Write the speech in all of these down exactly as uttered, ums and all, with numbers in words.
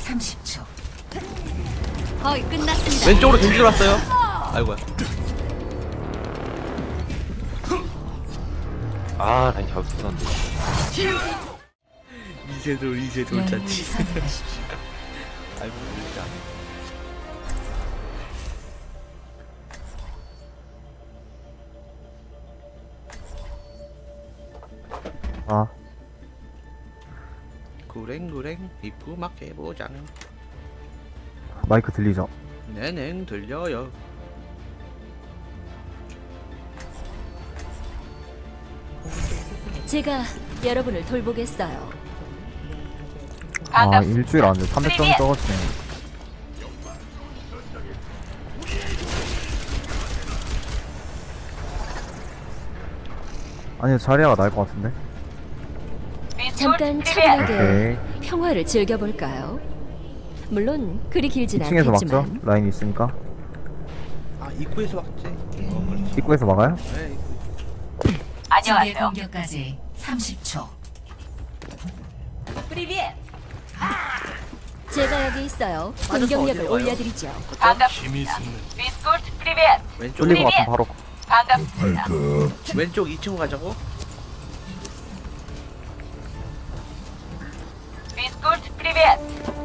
삼십 초. 거의 끝났습니다. 왼쪽으로 겐지 들어왔어요. 아이고야. 아, 라인 잡을 수 있었는데. 이세돌 이세돌 잔치. 아이고 진짜. 아, 구랭구랭 이쁘막 해보장. 마이크 들리죠? 네네 들려요. 제가 여러분을 돌보겠어요. 아, 일주일 안돼 삼백 점 떨어지네. 아니, 자리아가 나을 것 같은데? 잠깐 차분하게 오케이. 평화를 즐겨볼까요? 물론 그리 길진 이 층에서 막죠? 않겠지만 라인이 있으니까. 아 입구에서 막지. 어, 그렇지. 입구에서 막아요? 네, 입구. 안녕하세요. 공격까지 삼십 초. 프리비에. 제가 여기 있어요. 공격력을 어디로 가요? 올려드리죠. 반갑습니다. 비스코트 프리벳. 왼쪽 뚫린 것 같으면 바로. 반갑습니다. 왼쪽 이 층으로 가자고. 비스코트 프리벳.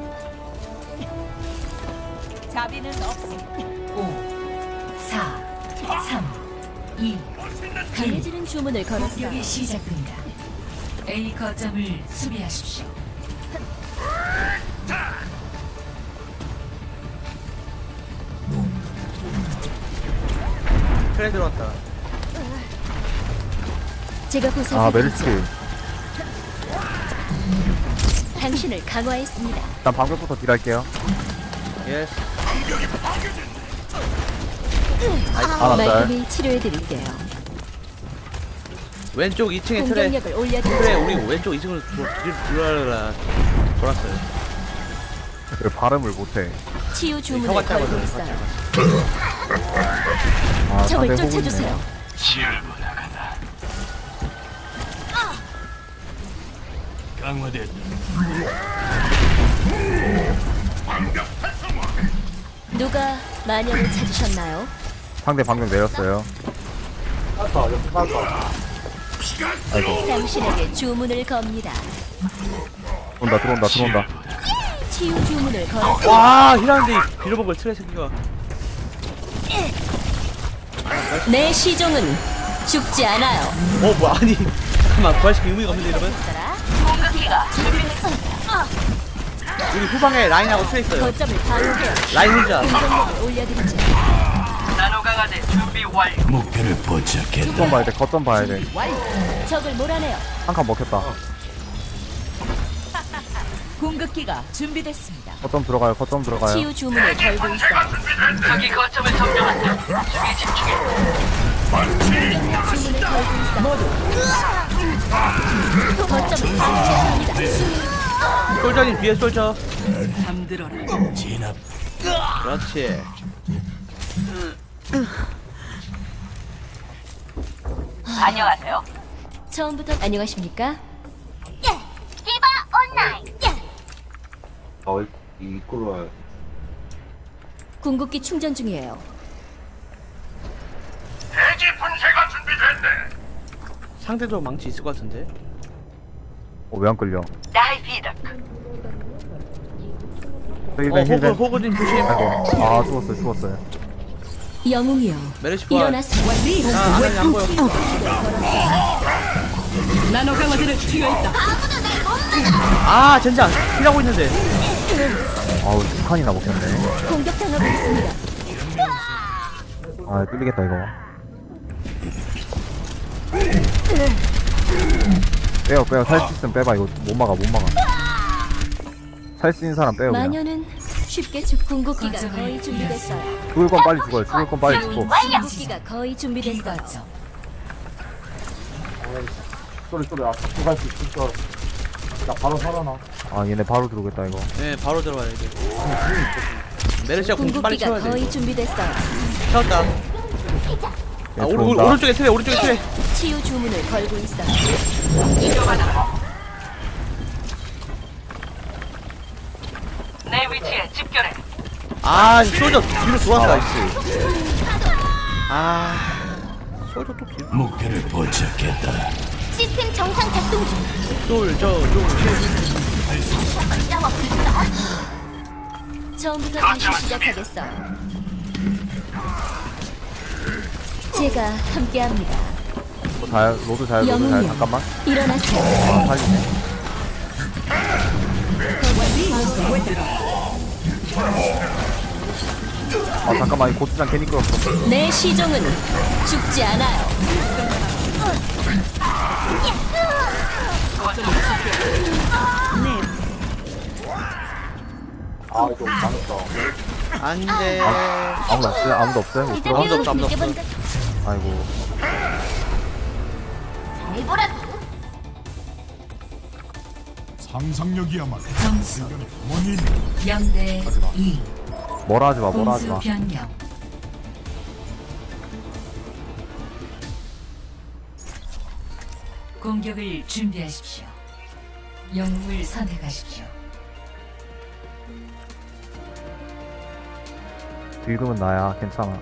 자비는 없습니다. 오, 사, 삼, 이. 강해지는 주문을 걸었어요. 공격이 시작됩니다. A 거점을 수비하십시오. 트레 들어왔다. 제가 아, 보살펴드리죠. 메르시. 당신을 강화했습니다. 일단 방벽부터 딜할게요. 예스. 아, 날. 말끔히 치료해드릴게요. 왼쪽 이 층에 트레. 공격력을 트레 올려드리죠. 우리 왼쪽 이 층으로 돌아라 돌았어요. 왜 발음을 못해? 치유 주문을 혀가 걸고 짧아서 있어요. 아, 적을 상대 쫓아주세요. 호구네. 강화됐다. 누가 마녀를 찾으셨나요? 상대 방금 내렸어요. 아이고, 당신에게 주문을 겁니다. 들어온다, 들어온다, 들어온다. 치유 주문을 걸었어요. 와 힐하는데 빌어먹을 트레 새끼가. 내 시종은 죽지 않아요. 어 뭐 아니 잠깐만 부활시킬 의미가 없는데 이러면. 우리 후방에 라인하고 트레 있어요. 거점을 방어해요. 라인 혼자. 공격력을 올려드리죠. 나노 강화제 준비 완료. 목표를 포착했다. 거점 봐야 돼, 거점 봐야 돼. 적을 몰아내요. 한 칸 먹혔다. 공격기가 준비됐습니다. 거점 들어가요, 거점 들어가요. 치유 주문을 걸고 있어요. 저기 거점을 점령한다. 수비 집중해. 주문을 걸고 있어. 모두 거점을 방어합니다. 솔저님 뒤에 솔저. 잠들어라. 진압. 그렇지. 안녕하세요. 처음부터 안녕하십니까? 디바 온라인. 어, 이 입구로 와요. 궁극기 충전 중이에요. 대지 분쇄가 준비됐네. 상대도 망치 있을 것 같은데. 어, 왜 안 끌려? 나이 비덕. 힐벤, 어 호그 힐벤. 호그님 조심. 아이고, 아, 죽었어요, 죽었어요. 영웅이요. 메르시 부활. 일어나세요. 아 안에 안 보여. 나노 강화제를 투여했다. 아 젠장 힐하고 있는데. 아우, 두 칸이나 먹혔네. 공격당하고 있습니다. 아, 뚫리겠다, 이거. 빼요, 빼요. 살 수 있으면 빼봐. 이거 못 막아, 못 막아. 살 수 있는 사람 빼요, 그냥. 마녀는 쉽게 죽. 궁극기가 거의 준비됐어요. 죽을 건 빨리 죽어요. 죽을 건 빨리 죽고. 궁극기가 거의 준비됐어요. 쏘리 쏘리 아 들어갈 수 있을 줄 알았어. 나 바로 살아나. 아, 얘네 바로 들어오겠다, 이거. 네 바로 들어가야 돼. 메르시가 공주 빨리 궁극기가 채워야 돼. 거의 준비됐어요. 채웠다. 아 얘 오른 오른- 들어온다. 오른쪽에 트레 오른쪽에 트레. 치유 주문을 걸고 있어요. 내 위치에 집결해. 아 솔저 뒤로 돌아서 나이스. 아 솔저 또 뒤로. 목표를 포착했다. 시스템 정상 작동 중. 솔저 솔저. 처음부터 다시 시작하겠어요. 제가 함께합니다. 뭐 잘, 로드 잘, 로드 잘. 영웅이요. 잠깐만. 일어나세요. 아, 살리네. 아, 잠깐만. 이 고추장 괜히 끌었어. 내 시종은 죽지 않아요. 아 이거 망했다. 안돼. 아무도 없어요? 아무도 없어요? 못 들어가? 아무도 없어, 아무도 없어. 아이고. 상상력이야말로 점수 원인. 영 대 이. 뭐라 하지 마, 뭐라 하지 공수 마. 변경. 공격을 준비하십시오. 영웅을 선택하십시오. 딜금은 나야. 괜찮아.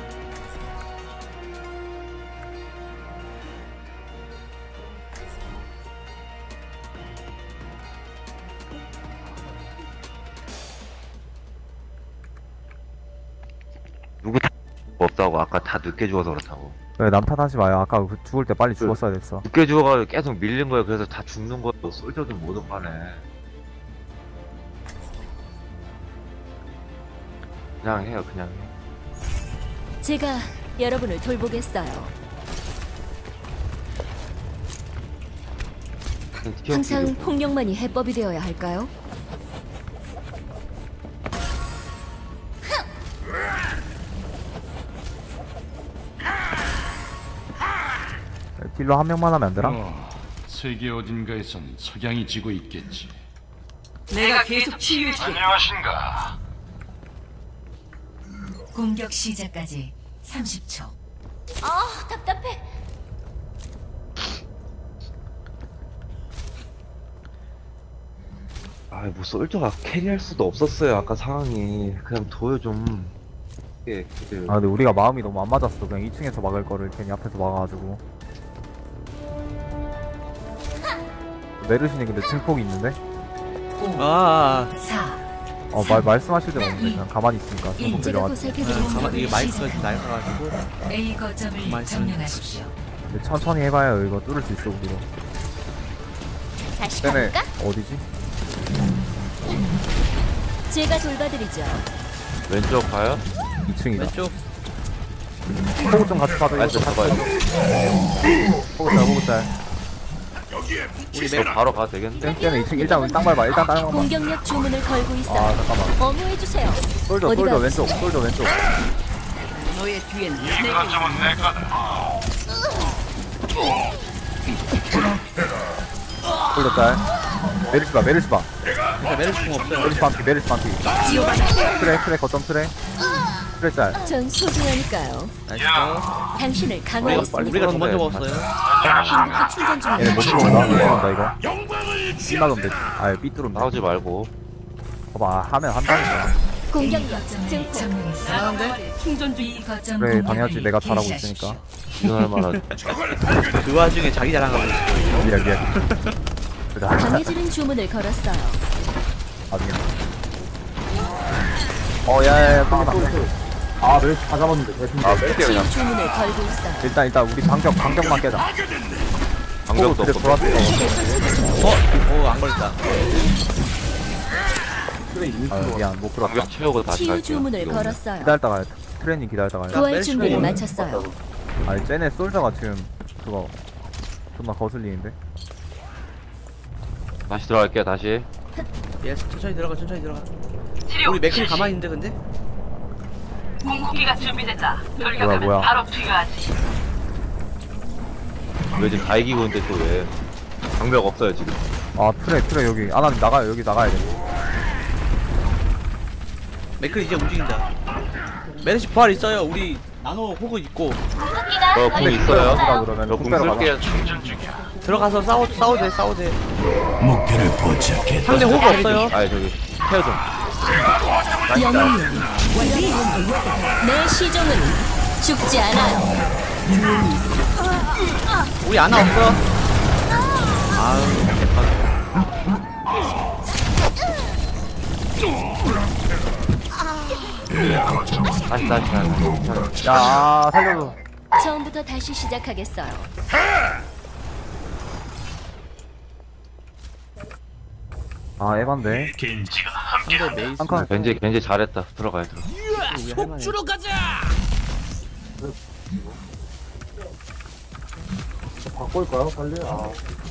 누구 다 없다고 아까 다 늦게 죽어서 그렇다고. 왜 남 탓하지 마요. 아까 그 죽을 때 빨리 죽었어야 됐어. 늦게 죽어가지고 계속 밀린 거야. 그래서 다 죽는 거야. 솔저도 못 오가네. 그냥 해요, 그냥 해. 제가 여러분을 돌보겠어요. 그냥 튀어, 항상 튀어. 폭력만이 해법이 되어야 할까요? 딜러 한 명만 하면 안 되나? 어, 세계 어딘가에선 석양이 지고 있겠지. 내가 계속 치유해줄게. 안녕하신가? 공격 시작까지 삼십 초. 아, 답답해. 아, 뭐 솔저가 캐리할 수도 없었어요. 아까 상황이. 그냥 둬요 좀. 예, 그 아, 근데 우리가 마음이 너무 안 맞았어. 그냥 이 층에서 막을 거를 괜히 앞에서 막아가지고. 메르신이 근데 증폭이 있는데? 오, 아 사, 어, 말, 말씀하실 데는 없는데. 그냥 가만히 있으니까. 증폭 제가 들려가지고. 보살펴드리겠습니다. 가만 이게 마이크가 지금 날아가지고. A 거점을 말씀- 점령하십시오. 근데 천천히 해봐요. 이거 뚫을 수 있어, 우리도. 다시 쟤네, 가볼까? 어디지? 제가 돌봐드리죠. 왼쪽 가요? 이 층이다. 왼쪽. 호구 좀 같이 가도 왼쪽 가봐요. 호구 짤, 호구 짤. 우리 저 맥 바로 가도 되겠는데? 쟤네 이 층 일단 우리 땅 밟아. 일단 땅 밟아. 공격력 주문을 걸고 아, 있어요. 잠깐만. 어무해주세요. 솔저, 어디가 솔저 왼쪽, 솔저 왼쪽. 너의 뒤엔 내게 거점은 내 거다. 솔저 짤. 메르시 봐, 메르시 봐. 진짜 메르시 공 없어요. 메르시 반피, 메르시 반피. 트레, 트레, 거점 트레. 트레 짤. 전 소중하니까요. 나이스. 당신을 우리가 강화했습니다. 우리가 더 먼저 먹었어요. 행복히 충전 얘네 못 중입니다. 들어온다, 못 들어온다, 이거. B 막으면 되지. 아, B 뚫으면 돼. 나오지 말고. 봐봐, 하면 한다니까. A 공격력 거점을 증폭. 점령했습니다. 충전 중. B 거점 그래, 공격을 당연하지. 내가 잘하고 개시하십시오. 있으니까. 일어날 만한. 그 와중에 자기 자랑하고 있어. 미안, 미안. 그래, 강해지는 주문을 걸었어요. 나중에. 어, 야, 야, 야, 빨리 막. 아 메르시 다 잡았는데 대충. 아, 뺄게 그냥. 치유 주문을 걸고 있어요. 일단, 일단, 우리 반격, 반격만 깨자. 방벽도 그래, 없고. 돌았어. 힘을 쏟아주세요. 어? 어, 안 걸렸다. 그래 이미 아, 미안, 못 들어왔다. 방벽 채우고 다시 치유 갈게요. 주문을 이거. 걸었어요. 기다렸다 가야 돼. 트레이닝 기다렸다 가야 돼. 부활 멜시 준비를 공은 마쳤어요. 아니, 쟤네 솔저가 지금, 그거, 존나 거슬리는데? 다시 들어갈게요, 다시. 예, 천천히 들어가, 천천히 들어가. 치료. 우리 맥클이 가만히 있는데 근데? 궁극기가 준비됐다. 뭐야, 돌격하면 뭐야. 바로 투여하지. 왜 지금 다 이기고 있는데 또 왜? 방벽 없어요, 지금. 아, 트레, 트레, 여기. 아, 난 나가요. 여기 나가야 돼. 맥클 이제 움직인다. 메르시 부활 있어요. 우리 나노 호그 있고 저 궁 있어요. 가자, 그러면. 저 궁 빼러 가자. 쓸게요. 들어가서 싸워 싸워도 돼, 싸워도 돼. 목표를 포착했다. 상대 호그 없어요. 아니, 저기, 케어 좀. 영웅이여, 내 시종은 죽지 않아요. 우리 아나 없어. 아우 개판. 다시 다시 다시. 야 살려줘. 처음부터 다시 시작하겠어요. 아 에반데. 상대 메이스. 한칸. 겐지 겐지 잘했다. 들어가야 들어. 속주로 가자. 바꿀까요 빨리? 아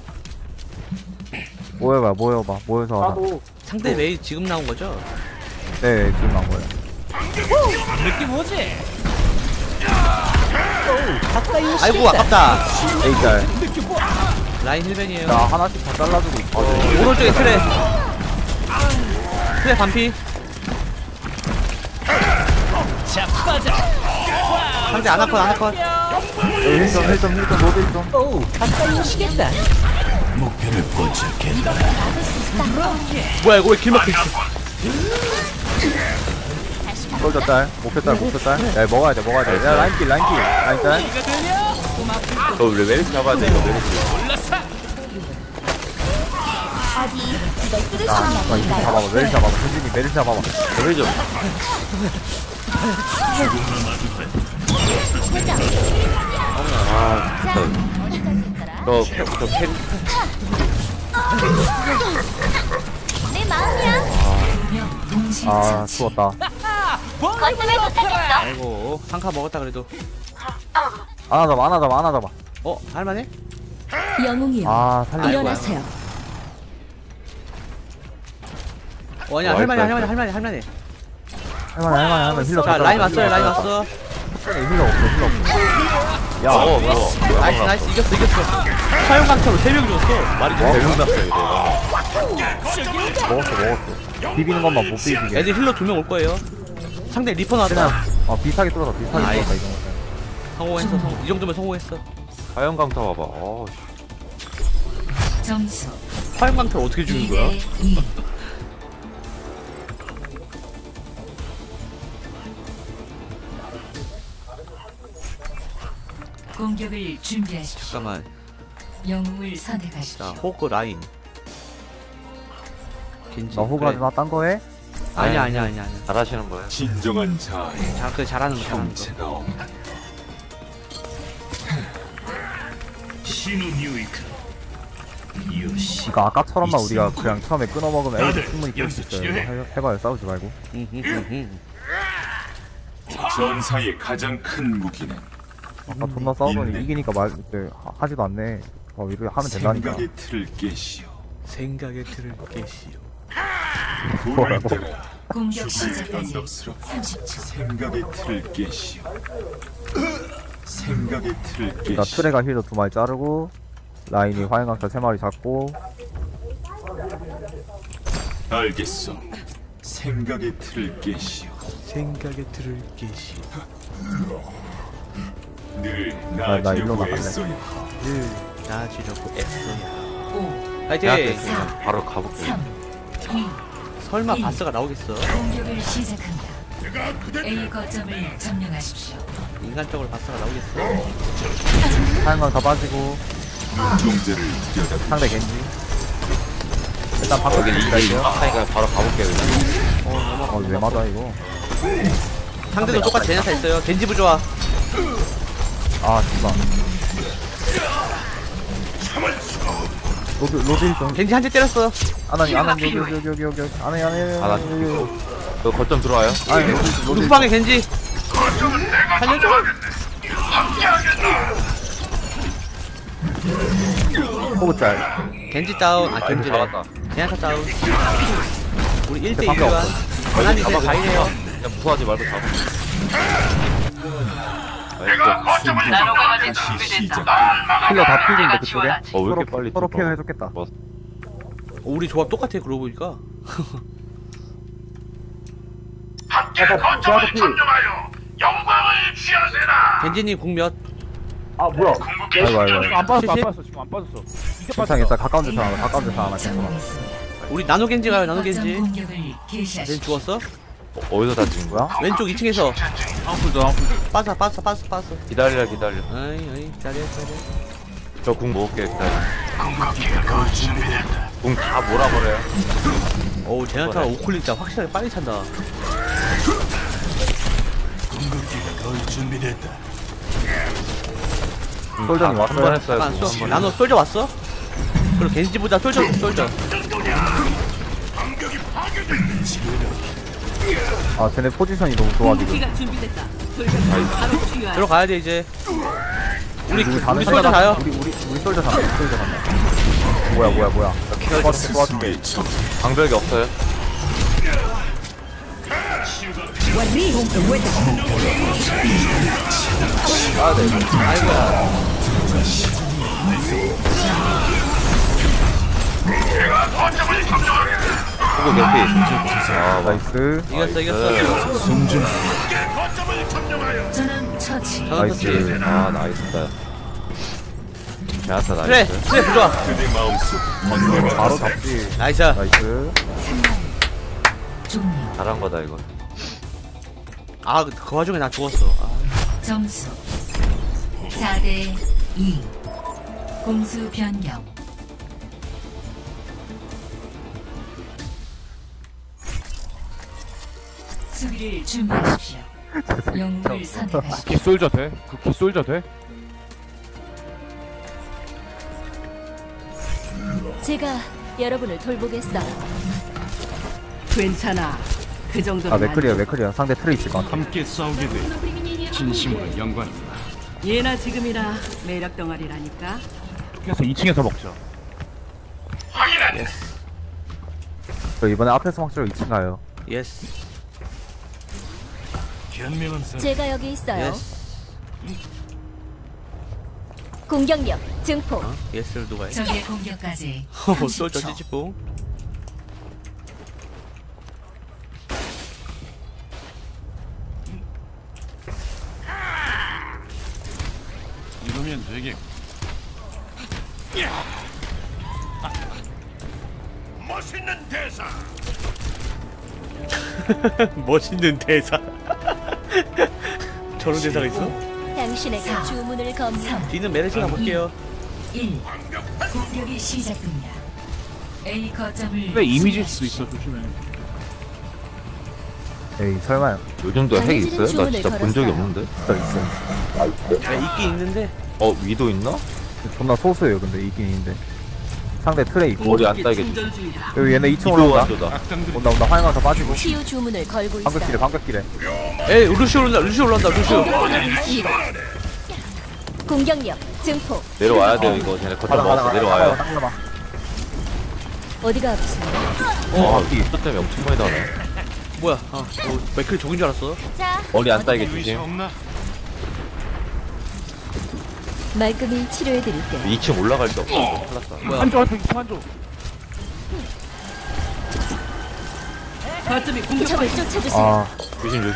모여봐 모여봐 모여서 하자. 나도 상대 메이 지금 나온 거죠? 네 지금 나온 거예요. 느낌 오지? 아이고 아깝다. 에이짤. 라인 힐벤이에요. 나 하나씩 다 잘라주고 있어. 오른쪽에 트레. 트레 반피. 상대 아나컷 아나컷. 힐점 힐점 힐점 로드 힐점. 뭐야 이거 왜 길막혀있어. 솔저 짤. 목표 짤 목표 짤. 야 먹어야 돼 먹어야 돼. 야 라인킬 라인킬 라인 짤. 너 왜 메리스 잡아야 돼 이거 메리스. 야 아, 이거 잡아봐 메리 잡아봐. 현진이 메리 잡아봐. 메리 좀. 아 진짜. 너저 캐리. 내 마음이야. 아 죽었다. 거점에 도착했어. 아이고 상카 먹었다 그래도. 안아 잡아 안아 잡아 안아 잡아. 어 할만해? 영웅이여, 아 살려. 일어나세요. 어 아니야 어, 할만해 알았어, 할만해 할만해 할만해. 할만해 할만해 할만해. 힐러 자 떴다. 라인 왔어요 라인 왔어. 힐러 없어 힐러 없어. 야 어, 뭐야. 나이스 나이스 이겼어 이겼어. 사용 강타로 세 명 줬어. 말이 돼. 대박 났어 이거. 먹었어 먹었어. 비비는 것만 못 비비게. 애들 힐러 두 명 올 거예요. 상대 리퍼 나왔다. 어 비슷하게 뚫어서 비슷하게 아이. 뚫었다 이 정도. 성공했어 성공. 이 정도면 성공했어. 과연 강타 봐봐. 어. 점수 사용 강타를 어떻게 주는 거야? 이 대 이. 공격을 준비하십시오. 잠깐만. 영웅을 자 선택하십시오. 호그 라인. 겐지. 나 호그 하지 마. 딴 거해? 아니야 아니야 아니야 아니야. 잘하시는 거예요. 진정한 자아의 자, 그 잘하는 거 잘하는 거. 정체가 없다. 신우뉴이크 요시 그니까 아까처럼만 우리가 그냥 처음에 끊어 먹으면 애들 충분히 끌 수 있어요. 이거 해- 해봐요 싸우지 말고. 전사의 가장 큰 무기는 아까 존나 싸우더니 이기니까 말 이제 하- 하지도 않네. 어 이렇게 하면 된다니까. 생각의 틀을 깨시오. 생각의 틀을 깨시오. 오늘따라 공격 시작까지 언덕스럽고 삼십 초. 생각의 틀을 깨시오. 생각의 틀을 나 깨시오. 트레가 힐도 두 마리 자르고 라인이 화염강타 세 마리 잡고. 알겠소. 생각의 틀을 깨시오. 생각의 틀을 깨시오. 늘 나- 나 일로 나아지려고 나갈래. 애써야 늘 나아지려고 애써야. 오, 파이팅! 그냥 바로 가볼게. 삼, 이. 설마 일. 바스가 나오겠어? 공격을 시작합니다. A 거점을 점령하십시오. 인간적으로 바스가 나오겠어? 화염강타 빠지고 동제를 들여다 상대 겐지. 일단 바꿔 여기 겐지 이게 갈게요. 막하니까 바로 가볼게 그냥. 어왜 맞아 이거. 상대도 똑같이 제냐타 있어요. 겐지 부좋아. 아 진짜. 로드 로드 힐좀. 겐지 한 대 때렸어. 아나니 아나니 여기 여기 여기 여기 여기 아나니 아나니 아, 나 여기 여기. 너 거점 들어와요? 아니 로드 로드 우리 후방에 겐지. 살려줘. 호그 짤. 겐지 다운. 아 겐지래. 잡았다. 제냐타 다운. 우리 일 대 밖에 일이야. 없어. 하나님 이제 가이네요. 그냥 무서워하지 말고 잡아. 나노강아지 다시 준비됐다. 시작. 힐러 다 필인데 내가 그쪽에. 지원하지. 어, 왜 이렇게 서로- 빨리 서로 뚫어? 케어 해줬겠다. 뭐, 어, 우리 조합 똑같아 그러고 보니까. 겐지님 궁몇? 아 뭐야 아이고 아이고. 안 빠졌어 안 칠십? 빠졌어 지금 안 빠졌어 이제 괜찮아 괜찮아. 가까운 데서 하나 가까운 데서 하나 괜찮아. 점령했습니다. 우리 나노 겐지 가요. 나노 거점 겐지. 공격을 쟤 개시하십시오. 죽었어? 어, 어디서 다친 거야? 왼쪽 이 층에서. 아프다 아프다. 빠져 빠져 빠져 빠져. 기다려 기다려. 아이 아이 기다려 기다려. 저 궁 먹을게 기다려. 궁 다 몰아버려요. 어우 제나타 오클릭 진짜 확실하게 빨리 찬다. 솔전이 한번 왔어요. 했어요. 아, 궁 쏘, 한 번. 나노 솔져 왔어? 그리고 겐지보다 솔져 솔져. 아 쟤네 포지션이 너무 좋아 지금. 들어가야 돼 이제. 우리 우리 우리 다는 솔져 가요. 우리 우리 우리 솔저 간다. 우리 솔저 간다. 뭐야 뭐야 뭐야. 도와줄게 도와줄게. 방벽이 없어요. 아 네. 아이고야. 후보 개피. 아 나이스. 이겼어 이겼어. 전원 처치. 전원 나이스. 터치. 아 나이스다. 잘했다 그래 나이스. 그래 부좋아. 바로 잡지. 나이스. 나이스. 종료. 잘한 거다 이거. 아 그 와중에 나 죽었어. 아. 점수 사 대 이. 공수 변경. 수비를 준비하십시오. 영웅을 선택하십시오. 기 솔져 돼? 그기 솔져 돼? 제가 여러분을 돌보겠어요. 괜찮아. 그 정도는 아 맥클리야 맥클리야. 상대 트레 있을 것 같아. 함께 싸우게 돼 진심으로 영광입니다. 예나 지금이나 매력 덩어리라니까. 그래서 이 층에서 먹자. 저 이번에 앞에서 막지로 이 층 가요. 예스. 현명한 사람. 제가 여기 있어요. 예스. 공격력 증폭. 어? 예스를 누가 해? 적의 공격까지 어, 삼십 솔져 초. 찌찌뽕. 이러면 되게 멋있는 대사. 멋있는 대사. 저런 대사가 있어? 당신에게 사, 주문을 검사. 뒤는 메르시가 볼게요. 일. 공격이 시작됩니다. A 거점을 근데 이미지일 수도 있어 조심해. 에이 설마요. 요즘도 핵 있어요? 나 주문을 진짜 본 적이 걸었어요. 없는데. 저 있어. 야, 있긴 있는데. 어 위도 있나? 존나 소수예요 근데 있긴 있는데. 상대 트레 있고. 머리 안 따이게 충전 중이다. 여기 얘네 이 층 위도 올라온다. 완도다. 악당들이 온다 온다 화양가서 빠지고. 치유 주문을 걸고 방벽길에 있어요. 방벽길에. 에이 루시 올라온다. 루시 올라온다. 루시. 공격력 증폭. 내려와야 돼요 이거. 쟤네 거점 가다 가다 먹었어. 가다 내려와요. 가다 가다. 어디가 아프세요? 어, 이 있어 때문에 엄청 많이 나네. 뭐야? 아, 어, 맥클이 적인 줄 알았어. 자, 머리 안 따이게 의사 조심. 없나? 말끔히 치료해드릴게요. 이 층 올라갈 데 없어. 큰일 났다. 뭐야? 한쪽 한쪽 이층 한쪽. 거점이 공격. 적을 쫓아주세요. 아 조심 조심.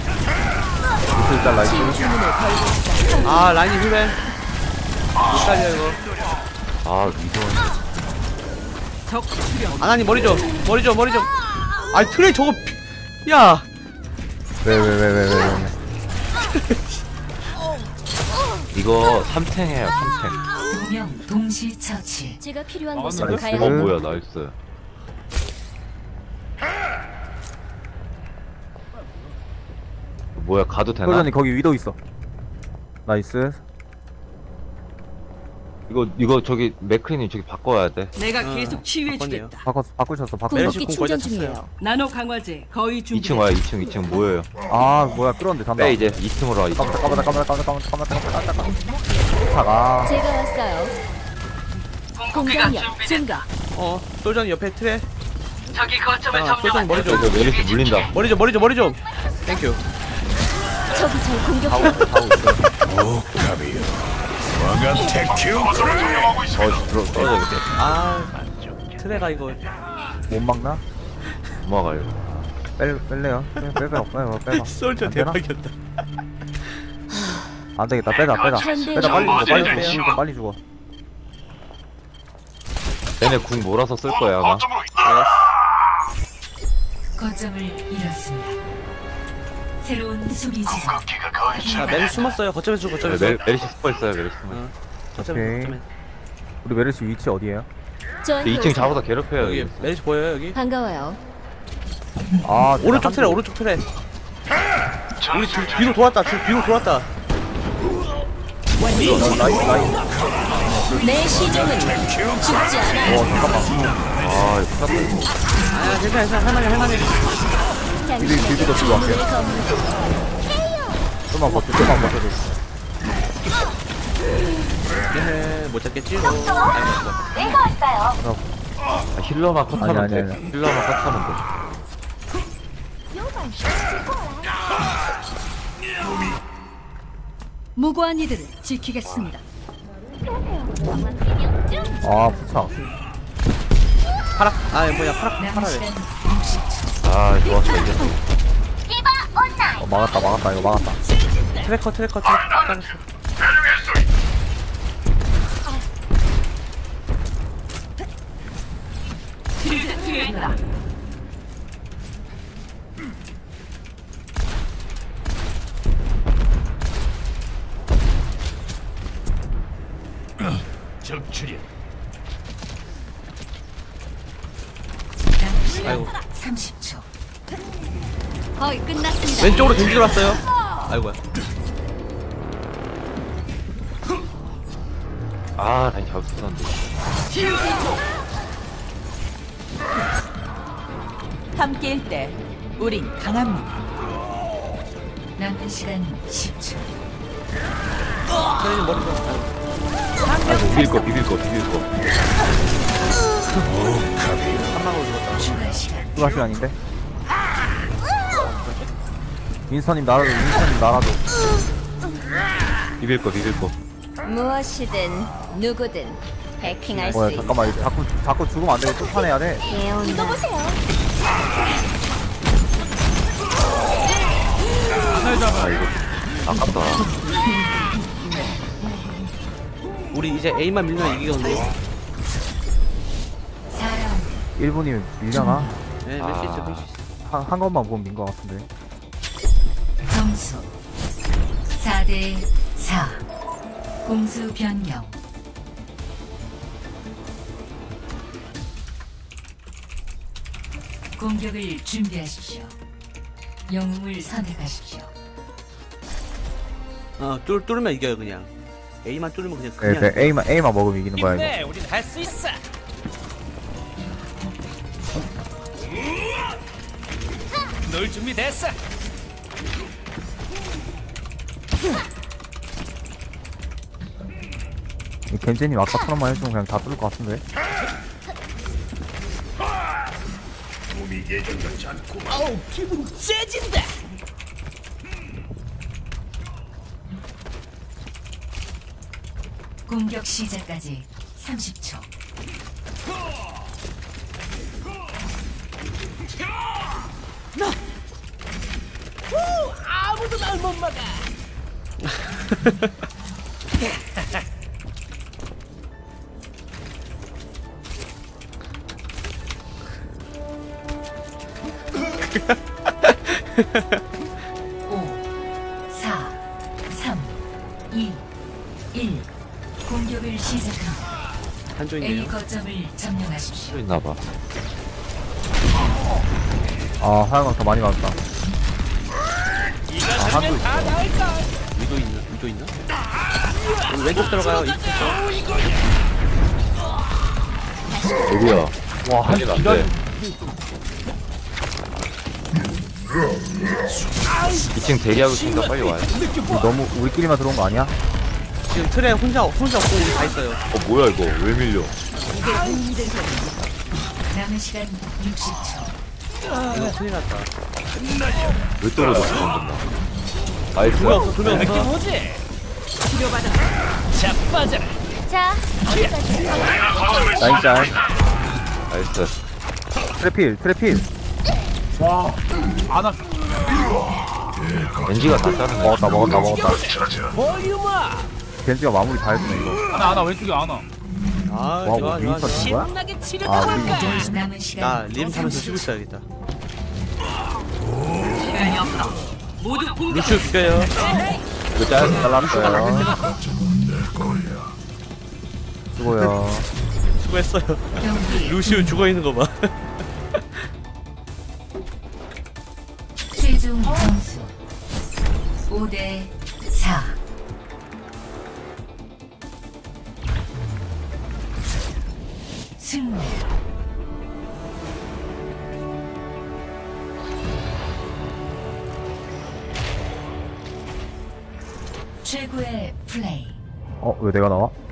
일단 라이트. 치유 주문을 걸고 있어요. 아 라인이 힐맨. 헷갈려 이거. 아 위도. 적 출현. 아나니 머리 좀. 머리 좀 머리 좀. 아이 트레이 저거. 피- 야. 왜 왜 왜 왜 왜 왜. 이거 삼탱해요 삼탱. 두 명 동시 처치. 제가 필요한 아, 곳으로 나이스. 가야 어 합니다. 뭐야 나이스. 뭐야 가도 되나? 솔전이 거기 위도 있어. 나이스. 이거 이거 저기 맥크리님 저기 바꿔야 돼. 내가 아, 계속 치유해주겠다. 바꿨 바꾸셨어 바꾸셨어. 메르시 궁극기 공 거의 충전 다 찼어요. 중이에요. 나노 강화제 거의 준비. 이 층 와요 이 층 이 층 뭐예요? 아 뭐야 끌었는데 잔다. 빼 이제 이 층으로 와 이 층. 까마다 까마다 까마다 까마다 까마다 까마다 까마다 까마다. 차가. 제가 왔어요. 공격력 증가. 어, 솔전이 옆에 트레. 저기 거점을 아, 솔전이 머리 좀. 저기 메르시 물린다. 머리 좀 머리 좀 머리 좀. 땡큐. 적이 절 하고 공격합니다. 있어 하고 있어. 어 들어 떨어져야겠다. 아 트레가 이거. 못 막나? 넘어가요. 뺄 뺄래요? 빼 빼봐 빼봐 빼봐. 솔저 안 되나? 대박이었다. 안 되겠다 빼자 빼자. 현대 빼자 빨리 죽어 빨리 빼요. 죽어 빨리 죽어. 얘네 궁 몰아서 쓸 거야 아마. 거점을 잃었습니다. 새로운 수비 지점. 자 메르시 숨었어요. 거점에서 네, 거점에서. 메, 메리시 스포 있어요 메리시 스포. 어. 거점에 오케이. 거점에. 우리 메르시 위치 어디에요? 저한테 이 층 오세요. 잡아서 괴롭혀요 여기 여기. 메르시 보여요 여기? 반가워요. 아 오른쪽 트레 오른쪽 트레. 우리 뒤, 뒤로 돌았다. 뒤, 뒤로 돌았다. 라인 라인. 내 시종은 죽지 않아. 어 잠깐만. 아 이거 큰일 났다. 아 괜찮아 괜찮아 할만해 할만해. 비비 비비도 들고 갈게요. 좀만 버텨 좀만 버텨줘. 네, 못 잡겠지? 어, 아이고, 아, 힐러만 컷하면 아니, 돼. 아니, 아니. 힐러만 컷하면 돼. 무고한 이들을 지키겠습니다. 아 부착. 파락 아 뭐야 파락 남은 파라래. 시간 육십 초. 아 좋았어 이겼어. 어, 막았다 막았다 이거 막았다. 트래커 트래커 트래커 깔았어. 적출이야. 남은 시간 아이고. 삼십 초. 거의 끝났습니다. 왼쪽으로 겐지 돌았어요. 아이고야. 아 라인 잡을 수 있었는데. 함께일 때 우린 강합니다. 남은 시간 십 초. 트레님 머리 좀. 아이고 비빌 거 비빌 거 비빌 거. 한 방울 죽었다. 추가 시간. 추가 시간인데. 윈스턴님 날아줘 윈스턴님 날아줘. 비빌 거 비빌 거. 무엇이든 누구든 해킹할 뭐야 수 있어. 잠깐만 이거 자꾸 자꾸 죽으면 안 되고 쫓아내야 돼. 이거 보세요. 아 이거 아깝다. 우리 이제 A만 밀면 이기거든요. 사 라운드. 일 분이면 밀려나? 네, 밀수 있어, 밀수 있어. 한, 한 것만 보면 민 것 같은데. 점수 사 대 사. 공수 변경. 공격을 준비하십시오. 영웅을 선택하십시오. 어, 뚫 뚫으면 이겨요 그냥. A만 뚫으면 그냥 네, 그냥. 네, A만 A만 먹으면 이기는 거야 이거. 우린 할 수 있어. 널 준비됐어. 이 겐제님 아까처럼만 해주면 그냥 다 뚫을 것 같은데. 어우 기분 째진다. 공격 시작까지 삼십 초. 아무도 날 못 막아. 오, 사, 삼, 이, 일. 공격을 시작합니다. A 한조이네요. 거점을 점령하십시오. 또 있나봐. 아 하얀강 더 많이 맞았다. 아 한도 있어. 위도 있나? 위도 있나? 우리 왼쪽 들어가요. 이 어디야? 와한 난리 기다. 났네. 이 층 대기하고 있으니까 빨리 와요. 우리 너무 우리끼리만 들어온 거 아니야? 지금 트레 혼자 혼자 없고 우리 다 있어요. 어 뭐야 이거 왜 밀려? 남은 시간 육십 초. 이거 큰일 났다. 왜 떨어졌어 방금 나? 나이스. 두명 없어, 두명 느낌 없어. 오지? 치료받아. 자빠져라. 자, 라인 짤. 나이스. 트래필 트래필. 와, 안아. 겐지가 다 자르네. 먹었다 먹었다 먹었다. 볼륨아. 겐지가 마무리 다 해주네 이거. 안아, 안아, 왼쪽에 안아. 아 와, 좋아 우리 좋아 윈스턴 좋아. 친 거야? 신나게 아, 치르다 우리 남은 시간 나림 타면서 쉬고 있어야겠다. 시간이 없어. 모두 공격. 루시오 비켜요. 이거 짤 잘랐어요. 수고요. 수고했어요. 경기 루시오 죽어 있는 거 봐. 최종 점수 오 대 사. 승리. 최고의 플레이. 어, 왜 내가 나와?